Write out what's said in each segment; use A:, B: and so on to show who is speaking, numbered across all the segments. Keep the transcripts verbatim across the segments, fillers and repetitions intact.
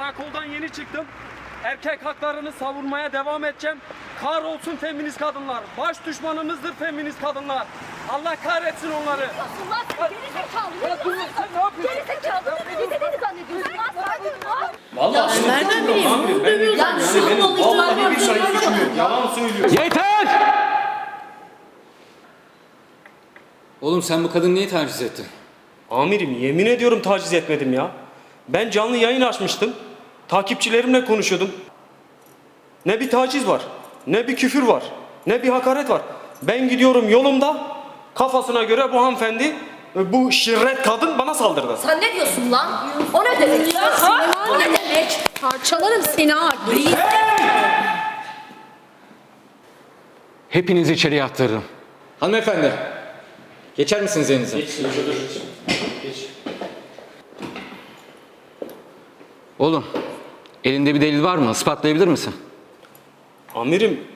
A: Karakoldan yeni çıktım. Erkek haklarını savunmaya devam edeceğim. Kahrolsun feminist kadınlar. Baş düşmanımızdır feminist kadınlar. Allah kahretsin onları.
B: Allah gerizekalı.
A: Sen ne yapıyorsun?
B: Gerizekalı. Bizi dedi zannediyorsun. Lan
C: Vallahi
B: sen nereden bileyim?
C: Amirim ben de
B: Yani
C: yani benim
B: şu
C: vallahi bir sayı suçum yok. Yalan söylüyor.
D: Yeter! Oğlum sen bu kadını niye taciz ettin?
A: Amirim yemin ediyorum taciz etmedim ya. Ben canlı yayın açmıştım. Takipçilerimle konuşuyordum. Ne bir taciz var, ne bir küfür var, ne bir hakaret var. Ben gidiyorum yolumda, kafasına göre bu hanımefendi, bu şirret kadın bana saldırdı.
B: Sen ne diyorsun lan? O ne demek ya? Ha? O ne demek? Parçalarım seni ha.
D: Hepinizi içeriye attırırım. Hanımefendi, geçer misiniz yerinize?
C: Geç, dur. Geç.
D: Oğlum, elinde bir delil var mı? Ispatlayabilir misin?
A: Amirim,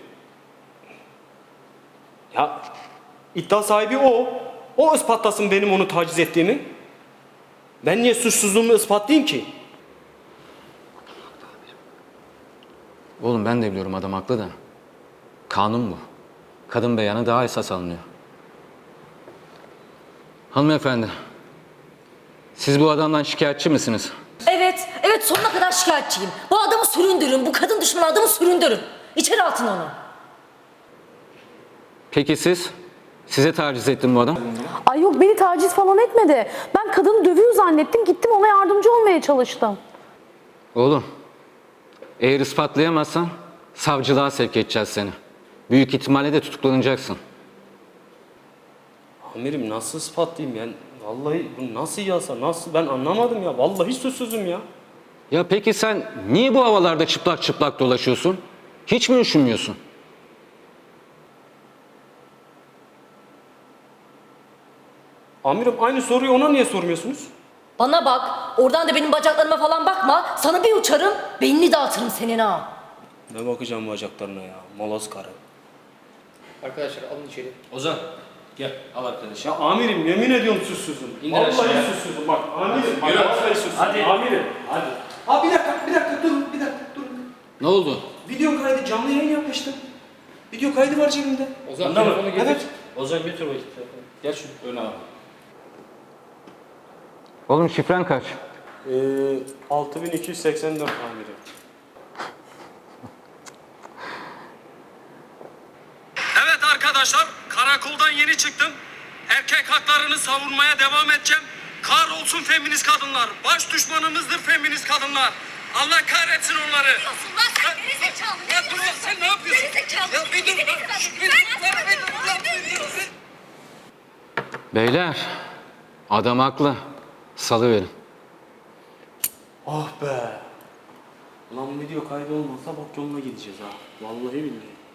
A: ya iddia sahibi o. O ispatlasın benim onu taciz ettiğimi. Ben niye suçsuzluğumu ispatlayayım ki?
D: Oğlum ben de biliyorum adam haklı da. Kanun bu. Kadın beyanı daha esas alınıyor. Hanımefendi, siz bu adamdan şikayetçi misiniz?
B: Evet, evet sonuna kadar şikayetçiyim. Bu adamı süründürün, bu kadın düşmanı adamı süründürün. İçeri atın onu.
D: Peki siz? Size taciz etti mi bu adam?
E: Ay yok beni taciz falan etmedi. Ben kadını dövüyor zannettim. Gittim ona yardımcı olmaya çalıştım.
D: Oğlum, eğer ispatlayamazsan savcılığa sevk edeceğiz seni. Büyük ihtimalle de tutuklanacaksın.
A: Amirim nasıl ispatlayayım yani? Vallahi bu nasıl yasa, nasıl ben anlamadım ya. Vallahi suçsuzum ya.
D: Ya peki sen niye bu havalarda çıplak çıplak dolaşıyorsun? Hiç mi üşümüyorsun?
A: Amirim aynı soruyu ona niye sormuyorsunuz?
B: Bana bak, oradan da benim bacaklarıma falan bakma. Sana bir uçarım, beynini dağıtırım senin ha.
A: Ne bakacağım bacaklarına ya, moloz karı.
C: Arkadaşlar alın içeri. Ozan gel al arkadaşı.
A: Ya amirim yemin ediyorum suçsuzum.
C: İndir
A: Vallahi
C: aşağıya.
A: suçsuzum bak amirim. Bak,
C: Yürü.
A: vallahi suçsuzum.
C: Hadi.
A: Amirim.
C: Hadi.
A: Abi bir dakika, bir dakika durun, bir dakika durun.
D: Ne oldu?
A: Video kaydı, canlı yayın yapmıştım. Video kaydı var cebimde.
C: Ozan
A: Bunda mı?
C: telefonu getir.
A: Evet.
C: Ozan götür o iki telefonu. Gel şu öne al.
D: Oğlum şifren kaç?
A: Ee, altı bin iki yüz seksen dört amirim. Evet arkadaşlar, karakoldan yeni çıktım. Erkek haklarını savunmaya devam edeceğim. Kahrolsun feminist kadınlar. Baş düşmanımızdır feminist kadınlar. Allah kahretsin onları.
B: Lan sen gerizekalı.
A: Ya dur ya, sen ne yapıyorsun?
B: Gerizekalı.
A: Ya bir dur.
B: Bizi dedi zannediyorsun.
D: Beyler, adam haklı. Salıverin.
A: Ah be. Ulan video kaydı olmasa bak yoluna gideceğiz ha. Vallahi billahi.